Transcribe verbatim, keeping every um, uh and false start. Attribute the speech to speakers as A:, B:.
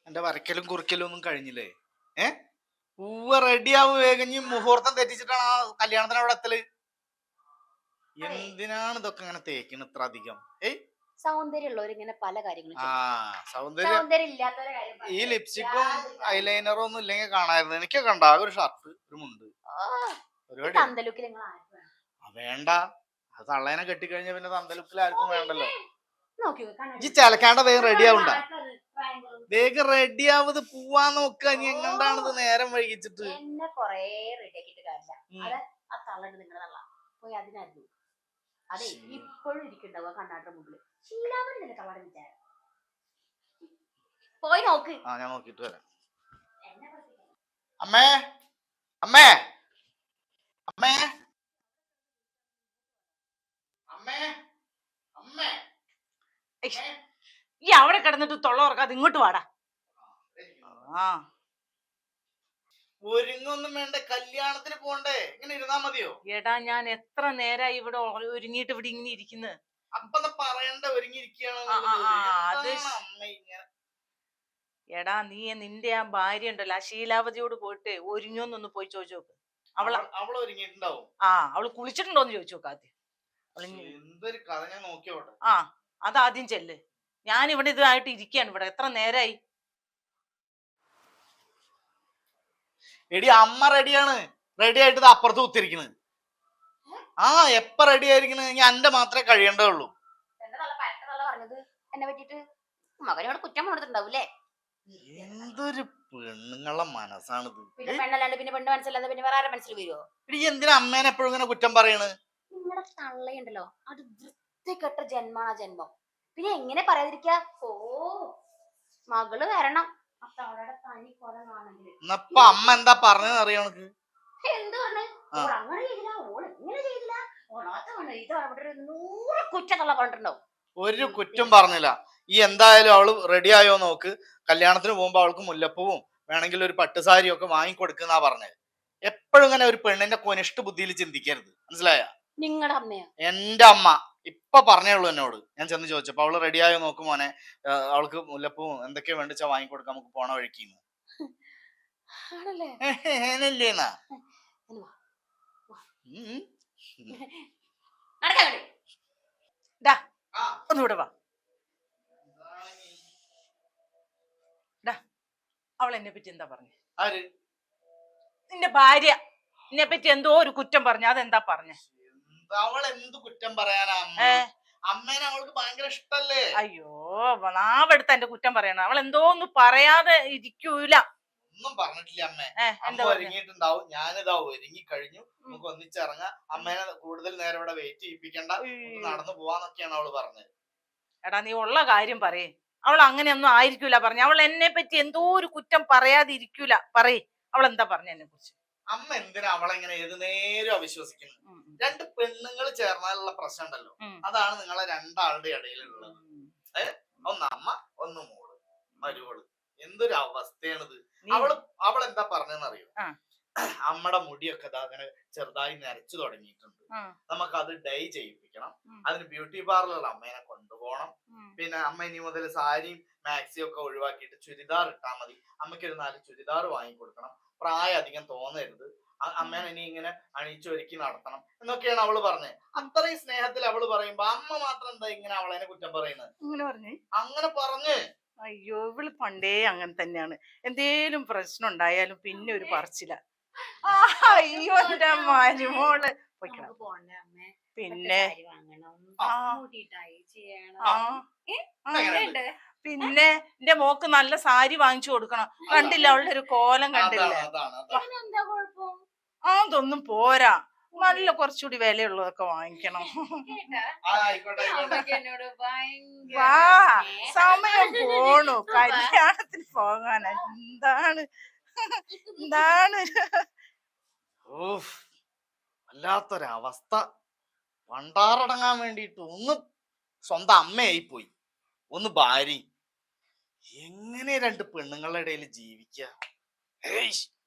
A: എന്റെ വരയ്ക്കലും കുറിക്കലും ഒന്നും കഴിഞ്ഞില്ലേ? ഏ പൂവ റെഡിയാവും വേഗം. മുഹൂർത്തം തെറ്റിച്ചിട്ടാണ് ആ കല്യാണത്തിന് അവിടെ എത്തല്. എന്തിനാണ് ഇതൊക്കെ ഇങ്ങനെ തേക്കുന്നത് ഇത്ര അധികം? ഏയ്
B: സൗന്ദര്യമുള്ളവരിങ്ങനെ പല കാര്യങ്ങളും
A: ആ സൗന്ദര്യം
B: സൗന്ദര്യം ഇല്ലാത്തവരെ കാര്യം
A: ഈ
B: പറഞ്ഞാ
A: ലിപ്സ്റ്റിക്കും
B: യാതൊരു കാര്യവും
A: ഐലൈനറും ഒന്നും ഇല്ലെങ്കിൽ കാണായിരുന്നു. എനിക്കൊക്കെ ഉണ്ടാ ഒരു ഷർട്ട് ഒരു മുണ്ട്
B: ഓ, ഈ
A: പരിപാടി.
B: തന്തലുക്കിൽ നിങ്ങൾ ആർക്ക് വേണം?
A: വേണ്ട, അത് തള്ളേനെ കെട്ടിക്കഴിഞ്ഞ പിന്നെ തന്തലുക്കിൽ ആർക്കും വേണ്ടല്ലോ.
B: നോക്കി
A: ഈ ചിലക്കാണ്ട വേഗം റെഡി ആവണ്ട,
B: ട്രയാങ്കിൾ
A: വേഗം റെഡി ആവത് പോവാൻ നോക്കുക. ഇനി എങ്ങണ്ടാണിത് നേരം വൈകിച്ചിട്ട്?
B: എന്നെ കൊറേ റെഡിയാക്കിട്ട് കാര്യമില്ല.
A: ഉം.
B: അത് ആ തള്ളണ്ട് നിങ്ങളുടെ തള്ള പോയി അതിനായിരുന്നു. അതെ ഇപ്പോഴും ഇരിക്കണ്ടാവുക കണ്ണാടിന്റെ മുമ്പില്. ശീലാമണി നിന്റെ തള്ളയുടെ വിചാരം. പോയി നോക്ക്.
A: ആ ഞാൻ നോക്കിട്ട് വരാം.
B: എന്നെ പഠിപ്പിക്കാൻ.
A: അമ്മേ അമ്മേ അമ്മേ അമ്മേ അമ്മേ
C: ഈ അവിടെ കിടന്നിട്ട് തൊള്ള ഉറക്കാതെ ഇങ്ങോട്ട് വാടാ. ആ
A: ഒരുങ്ങൊന്നും വേണ്ട, കല്യാണത്തിന് പോണ്ടേ? ഇങ്ങനെ ഇരുന്നാ മതിയോ?
C: എടാ ഞാൻ എത്ര നേരായി ഇവിടെ ഒ- ഒരുങ്ങിയിട്ട് ഇവിടെ ഇങ്ങനെ ഇരിക്കുന്നത്.
A: അപ്പൊ പറയണ്ട ഒരുങ്ങിയിരിക്കുകയാണ്.
C: ആ, ആ, ആ, അത് ശ-
A: അമ്മ ഇങ്ങനെ
C: എടാ നീ നിന്റെ ആ ഭാര്യ ഉണ്ടല്ലോ ആ ശീലാവതിയോട് പോയിട്ട് ഒരുങ്ങിയോന്നൊന്ന് പോയി ചോദിച്ചു നോക്ക്. അവള്
A: അവൾ- അവള് ഒരുങ്ങിയിട്ടുണ്ടാവും.
C: ആ അവള് കുളിച്ചിട്ടുണ്ടോന്ന് ചോദിച്ചു നോക്ക് ആദ്യം. അവള് ഇനി-
A: എന്തൊരു കഥ, ഞാൻ നോക്കിയോട്ടെ.
C: ആ അതാദ്യം ചെല്ല്. ഞാൻ ഇവിടെ ഇതായിട്ട് ഇരിക്കുകയാണ് ഇവിടെ എത്ര നേരായി.
A: എടി അമ്മ റെഡിയാണ്, റെഡി ആയിട്ട് അപ്പുറത്ത് കുത്തിരിക്കണ്. ആ എപ്പ റെഡി ആയിരിക്കണ്? ഞാൻ എന്റെ മാത്രമേ കഴിയേണ്ടേ ഉള്ളൂ.
B: എന്റെ തള്ള പരട്ട തള്ള പറഞ്ഞത് എന്നെ പറ്റിട്ട് മകനോട് കുറ്റം കൊടുത്തിട്ടുണ്ടാവൂലേ?
A: എന്തൊരു പെണ്ണുങ്ങളുടെ മനസ്സാണിത്.
B: പിന്നെ പെണ്ണല്ലാണ്ട് പിന്നെ പെണ്ണ് മനസ്സിലാതെ പിന്നെ വേറെ ആരെ മനസ്സിൽ വരുമോ?
A: എടി എന്തിനാ അമ്മേനെ എപ്പോഴും ഇങ്ങനെ കുറ്റം പറയണ്?
B: നിങ്ങളുടെ തള്ളയുണ്ടല്ലോ അത് വൃത്തികെട്ട ജന്മാണ് ജന്മം. പിന്നെ എങ്ങനെ പറയാതിരിക്കാ? ഓ മകള് വരണം ആ തള്ളയുടെ തനി കൊലമാണെങ്കിൽ.
A: എന്നപ്പൊ അമ്മ എന്താ പറഞ്ഞതെന്ന് അറിയോ നിനക്ക്?
B: എന്ത് പറഞ്ഞു? ഓൾ അങ്ങനെ ചെയ്തില്ല, ഓൾ ഇങ്ങനെ ചെയ്തില്ല, ഓളാത്തമാണ് ഇത് അവിടെ ഒരു നൂറ് കുറ്റത്തുള്ള പറഞ്ഞിട്ടുണ്ടാവും.
A: ഒരു കുറ്റം പറഞ്ഞില്ല. ഈ എന്തായാലും അവള് റെഡി ആയോ നോക്ക്. കല്യാണത്തിന് പോകുമ്പോ അവൾക്ക് മുല്ലപ്പൂവും വേണമെങ്കിൽ ഒരു പട്ടുസാരിയും ഒക്കെ വാങ്ങിക്കൊടുക്കുന്നാ പറഞ്ഞത്. എപ്പോഴും ഇങ്ങനെ ഒരു പെണ്ണിന്റെ കൊനിഷ്ഠ ബുദ്ധിയിൽ ചിന്തിക്കരുത്, മനസ്സിലായ?
B: നിങ്ങളുടെ അമ്മയോ?
A: എന്റെ അമ്മ ഇപ്പൊ പറഞ്ഞേ ഉള്ളൂ എന്നോട്. ഞാൻ ചെന്ന് ചോദിച്ചപ്പോ അവള് റെഡി ആയോ നോക്കും മോനെ, അവൾക്ക് മുല്ലപ്പൂവും എന്തൊക്കെയാ വേണ്ടിച്ചാ വാങ്ങിക്കൊടുക്കാം, നമുക്ക് പോണ വഴിക്കുന്നു.
B: ആണല്ലേ?
A: ഏനല്ലേന്നാ
B: നടക്കാ
C: ഡാ ഒന്നുകൂടെ വാ. ഡാ അവൾ എന്നെ പറ്റി എന്താ പറഞ്ഞേ?
A: ആര്?
C: നിന്റെ ഭാര്യ എന്നെ പറ്റി എന്തോ ഒരു കുറ്റം പറഞ്ഞു. അതെന്താ പറഞ്ഞേ?
A: അവൾ എന്ത് കുറ്റം പറയാനാ? അമ്മേനെ അവൾക്ക് ഭയങ്കര ഇഷ്ടല്ലേ?
C: അയ്യോ നാവെടുത്ത് എന്റെ കുറ്റം പറയണം. അവൾ എന്തോ ഒന്നും പറയാതെ ഇരിക്കൂല.
A: ഒന്നും പറഞ്ഞിട്ടില്ല അമ്മേ.
C: എന്താ
A: ഒരുങ്ങിയിട്ടുണ്ടാവും. ഞാനിതാ ഒരുങ്ങി കഴിഞ്ഞു, നമുക്ക് ഒന്നിച്ചിറങ്ങാം, അമ്മേനെ കൂടുതൽ നേരം ഇവിടെ വെയിറ്റ് ചെയ്യിപ്പിക്കണ്ട, നടന്നു പോവാന്നൊക്കെയാണ് അവള് പറഞ്ഞത്.
C: എടാ നീ ഉള്ള കാര്യം പറയേ. അവൾ അങ്ങനെയൊന്നും ആയിരിക്കൂല പറഞ്ഞു. അവൾ എന്നെ പറ്റി എന്തോ ഒരു കുറ്റം പറയാതെ ഇരിക്കൂല. പറയേ അവൾ എന്താ പറഞ്ഞു എന്നെ കുറിച്ച്?
A: അമ്മ എന്തിനാ അവളെങ്ങനെ ഏത് നേരം അവിശ്വസിക്കുന്നത്? രണ്ട് പെണ്ണുങ്ങൾ ചേർന്നാലുള്ള പ്രശ്നം ഉണ്ടല്ലോ, അതാണ് നിങ്ങളെ രണ്ടാളുടെ ഇടയിലുള്ളത്. ഏഹ് ഒന്ന് അമ്മ ഒന്ന് മോള് മരുവള്. എന്തൊരു അവസ്ഥയാണിത്. അവള് അവൾ എന്താ പറഞ്ഞെന്നറിയോ? അമ്മയുടെ മുടിയൊക്കെ അങ്ങനെ ചെറുതായി നരച്ചു തുടങ്ങിയിട്ടുണ്ട്, നമുക്ക് അത് ഡൈ ചെയ്യിപ്പിക്കണം, അതിന് ബ്യൂട്ടി പാർലറിൽ അമ്മേനെ കൊണ്ടുപോകണം. പിന്നെ അമ്മ ഇനി മുതൽ സാരിയും മാക്സിയും ഒക്കെ ഒഴിവാക്കിയിട്ട് ചുരിദാർ ഇട്ടാൽ മതി, അമ്മയ്ക്ക് ഒരു നാല് ചുരിദാർ വാങ്ങിക്കൊടുക്കണം, പ്രായം അധികം തോന്നരുത്, അമ്മേനെ ഇനി ഇങ്ങനെ അണിയിച്ചൊരുക്കി നടത്തണം എന്നൊക്കെയാണ് അവള് പറഞ്ഞത്. അത്രയും സ്നേഹത്തിൽ അവള് പറയുമ്പോ അമ്മ മാത്രം എന്താ ഇങ്ങനെ അവളെ കുറ്റം പറയുന്നത്? അങ്ങനെ പറഞ്ഞ്.
C: അയ്യോ ഇവള് പണ്ടേ അങ്ങനെ തന്നെയാണ്. എന്തേലും പ്രശ്നം ഉണ്ടായാലും പിന്നെ ഒരു പറച്ചില. അയ്യോ എന്റെ മരുമോള് പിന്നെ പിന്നെ എന്റെ മോക്ക് നല്ല സാരി വാങ്ങിച്ചു കൊടുക്കണം. കണ്ടില്ല അവളുടെ ഒരു കോലം കണ്ടില്ല? അതൊന്നും പോരാ, നല്ല കുറച്ചുകൂടി വിലയുള്ളതൊക്കെ വാങ്ങിക്കണം. വാ സമയം പോണു, കല്യാണത്തിന് പോകാനാ. എന്താണ് എന്താണ്
A: ഓഹ് വല്ലാത്തൊരവസ്ഥ. പണ്ടാറടങ്ങാൻ വേണ്ടിയിട്ട് ഒന്ന് സ്വന്തം അമ്മയായി പോയി, ഒന്ന് ഭാര്യ. എങ്ങനെ രണ്ട് പെണ്ണുങ്ങളുടെ ഇടയിൽ ജീവിക്കുക?